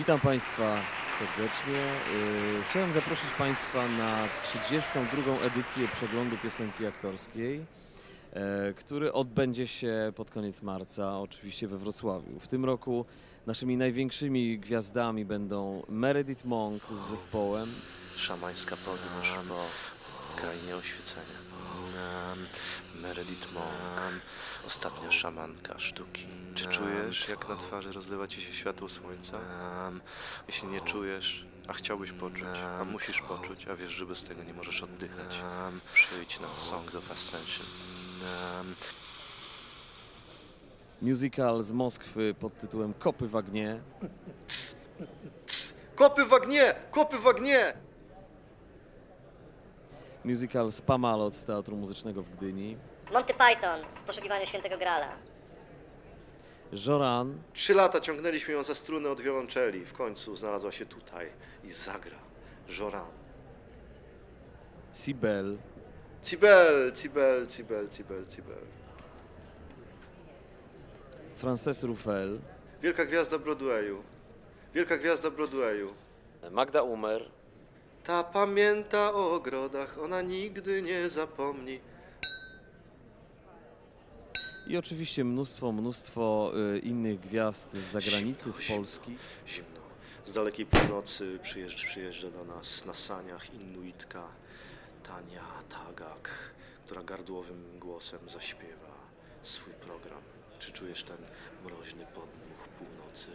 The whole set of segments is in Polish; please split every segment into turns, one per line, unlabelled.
Witam Państwa serdecznie. Chciałem zaprosić Państwa na 32. edycję przeglądu piosenki aktorskiej, który odbędzie się pod koniec marca, oczywiście we Wrocławiu. W tym roku naszymi największymi gwiazdami będą Meredith Monk z zespołem,
Szamańska podróż po krainie oświecenia. Meredith Monk, ostatnia szamanka sztuki. Czy czujesz, jak na twarzy rozlewa ci się światło słońca? Jeśli nie czujesz, a chciałbyś poczuć, a musisz poczuć, a wiesz, że bez tego nie możesz oddychać, przyjdź na Songs of Ascension.
musical z Moskwy pod tytułem Kopy w Agnie,
Kopy w agnie! Kopy w agnie!
musical Spamalot z Teatru Muzycznego w Gdyni,
Monty Python w poszukiwaniu świętego Grala.
Joran,
3 lata ciągnęliśmy ją za strunę od wiolonczeli. W końcu znalazła się tutaj i zagra. Joran.
Sibel,
Cibel.
Frances Ruffel,
Wielka gwiazda Broadwayu. Wielka gwiazda Broadwayu.
Magda Umer,
Ta pamięta o ogrodach, ona nigdy nie zapomni.
i oczywiście mnóstwo innych gwiazd z zagranicy, z Polski.
Zimno. Z dalekiej północy przyjeżdża do nas na saniach Inuitka Tania Tagak, która gardłowym głosem zaśpiewa swój program. Czy czujesz ten mroźny podmuch północy?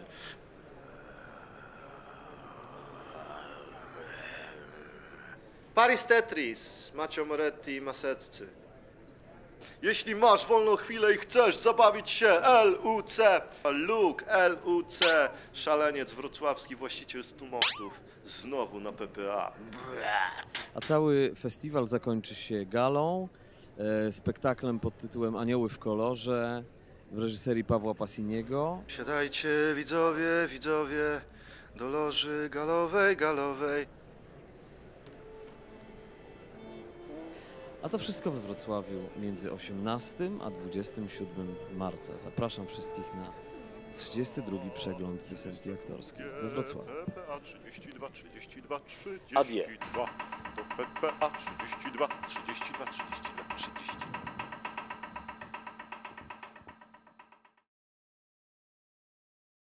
Paris Tetris, Macio Moretti i Maseccy. Jeśli masz wolną chwilę i chcesz zabawić się, LUC, Luke, LUC, szaleniec wrocławski, właściciel 100 mostów, znowu na PPA.
A cały festiwal zakończy się galą, spektaklem pod tytułem Anioły w kolorze w reżyserii Pawła Passiniego.
Siadajcie widzowie, do loży galowej.
A to wszystko we Wrocławiu między 18 a 27 marca. Zapraszam wszystkich na 32. przegląd piosenki aktorskiej we Wrocławiu.
PPA 32, 32, 32.
Adie.
To PPA 32, 32, 32, 32.